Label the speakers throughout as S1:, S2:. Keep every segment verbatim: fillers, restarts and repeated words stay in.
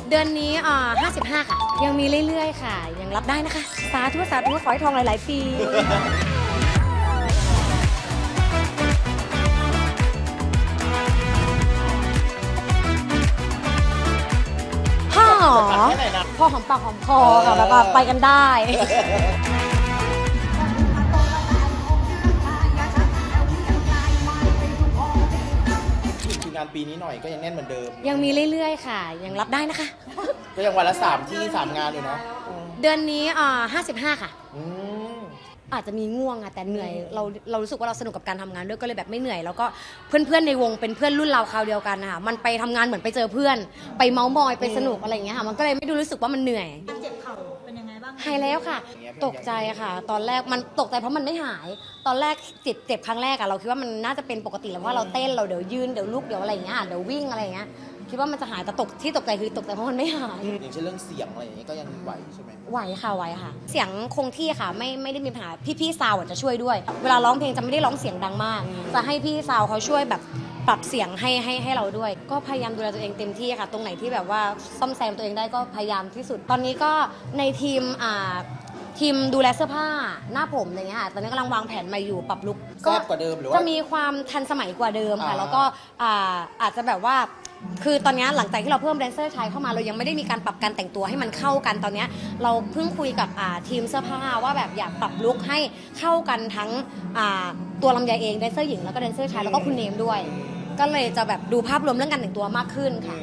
S1: เดือนนี้อ่าห้าสิบห้าค่ะยังมีเรื่อยๆค่ะยังรับได้นะคะสาธุสาธุขอให้ทองหลายๆปีพ่อพ่อหอมปากหอมคอค่ะแบบว่าไปกันได้
S2: งานปีนี้หน่อยก็ยังแน่นเหมือนเดิม
S1: ยังมีเรื่อยๆค่ะยังรับได้นะคะ
S2: ก็ยังวันละสามที่สามงานอยู่เนาะ
S1: เดือนนี้อ่าห้าสิบห้าค่ะ
S2: อืม
S1: อาจจะมีง่วงอะแต่เหนื่อยเราเรารู้สึกว่าเราสนุกกับการทำงานด้วยก็เลยแบบไม่เหนื่อยแล้วก็เพื่อนๆในวงเป็นเพื่อนรุ่นเราคราวเดียวกันนะคะมันไปทำงานเหมือนไปเจอเพื่อนไปเมาส์มอยไปสนุกอะไรอย่างเงี้ยค่ะมันก็เลยไม่ดูรู้สึกว่ามันเหนื่อย
S3: เจ็บเข่าเป็นยังไงบ้าง
S1: หายแล้วค่ะตกใจค่ะตอนแรกมันตกใจเพราะมันไม่หายตอนแรกเจ็บเจ็บครั้งแรกอะเราคิดว่ามันน่าจะเป็นปกติแล้วเพราะเราเต้นเราเดี๋ยวยืนเดี๋ยวลุกเดี๋ยวอะไรอย่างเงี้ยเดี๋ยววิ่งอะไรอย่างเงี้ยคิดว่ามันจะหายแต่ตกที่ตกใจคือตกใจเพราะมันไม่หาย
S2: อย่างเช่นเรื่องเสียงอะไรอย่างเงี้ยก็ยังไหวใช่ไหม
S1: ไหวค่ะไหวค่ะเสียงคงที่ค่ะไม่ไม่ได้มีปัญหาพี่ๆซาวจะช่วยด้วยเวลาร้องเพลงจะไม่ได้ร้องเสียงดังมากจะให้พี่ซาวเขาช่วยแบบปรับเสียงให้ให้ให้เราด้วยก็พยายามดูแลตัวเองเต็มที่ค่ะตรงไหนที่แบบว่าซ่อมแซมตัวเองได้ก็พยายามที่สุดตอนนี้ก็ในทีมอ่าทีมดูแลเสื้อผ้าหน้าผมอะไรเงี้ยค่ะตอนนี้กำลังวางแผนใหม่อยู่ปรับลุค
S2: แซ่บกว่าเดิมหรือว่า
S1: จะมีความทันสมัยกว่าเดิมค่ะ
S2: อ่า
S1: แล้วก็อ่าอาจจะแบบว่าคือตอนนี้หลังจากที่เราเพิ่มแดนเซอร์ชายเข้ามาเรายังไม่ได้มีการปรับการแต่งตัวให้มันเข้ากันตอนนี้เราเพิ่งคุยกับอ่าทีมเสื้อผ้าว่าแบบอยากปรับลุคให้เข้ากันทั้งอ่าตัวลำไยเองแดนเซอร์หญิงแล้วก็แดนเซอร์ชายแล้วก็คุณเนมด้วยก็เลยจะแบบดูภาพรวมเรื่องการแต่งตัวมากขึ้นค่ะ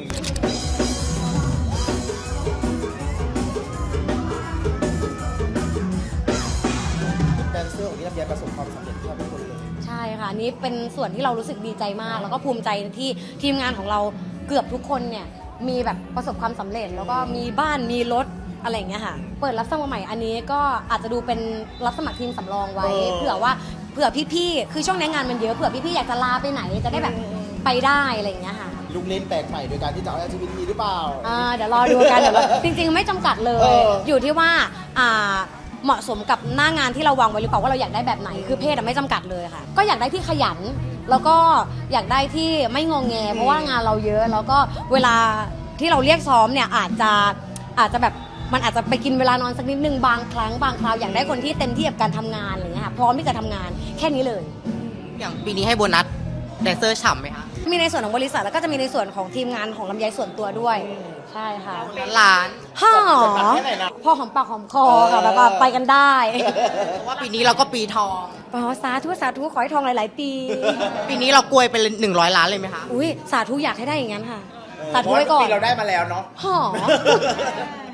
S2: แดนเซอร์ของพี่ลำไยประสบความสำเร็จแทบทุกคนเลย
S1: ใช่ค่ะนี่เป็นส่วนที่เรารู้สึกดีใจมากแล้วก็ภูมิใจที่ทีมงานของเราเกือบทุกคนเนี่ยมีแบบประสบความสำเร็จแล้วก็มีบ้านมีรถอะไรอย่างเงี้ยค่ะเปิดรับสมัครใหม่อันนี้ก็อาจจะดูเป็นรับสมัครทีมสำรองไว้เผื่อว่าเผื่อพี่ๆคือช่วงนี้งานมันเยอะเผื่อพี่ๆอยากจะลาไปไหนจะได้แบบไปได้อะไรอย่างเงี้ยค่ะ
S2: ลุกเล่นแปลกใหม่โดยการที่จะเอา แอล จี บี ที หรือเปล่า
S1: อ่าเดี๋ยวรอดูกันเดี๋ยวจริงๆไม่จำกัดเลยอยู่ที่ว่าอ่าเหมาะสมกับหน้างานที่เราวางไว้หรือเปล่าว่าเราอยากได้แบบไหนคือเพศไม่จำกัดเลยค่ะก็อยากได้ที่ขยันแล้วก็อยากได้ที่ไม่งงแงเพราะว่างานเราเยอะแล้วก็เวลาที่เราเรียกซ้อมเนี่ยอาจจะอาจจะแบบมันอาจจะไปกินเวลานอนสักนิดนึงบางครั้งบางคราวอยากได้คนที่เต็มที่กับการทำงานอะไรเงี้ยค่ะพร้อมที่จะทำงานแค่นี้เลย
S4: อย่างปีนี้ให้โบนัสแดนเซอร์ฉ่ำไหมคะ
S1: มีในส่วนของบริษัทแล้วก็จะมีในส่วนของทีมงานของลำไยส่วนตัวด้วยใช่ค่ะ
S4: ล้าน
S1: ฮ่อพ่อหอมปากหอมคอค่ะแบบว่าไปกันได้
S4: เพราะว่าปีนี้เราก็ปีทอง
S1: อ๋อสาธุสาธุขอให้ทองหลายๆปี
S4: ปีนี้เรากลวยเป็นหนึ่งร้อยล้านเลยไหมคะ
S1: อุ้ยสาธุอยากให้ได้อย่างนั้นค่ะสาธุไว้ก่อน
S2: เราได้มาแล้วเนาะ
S1: ฮ่อ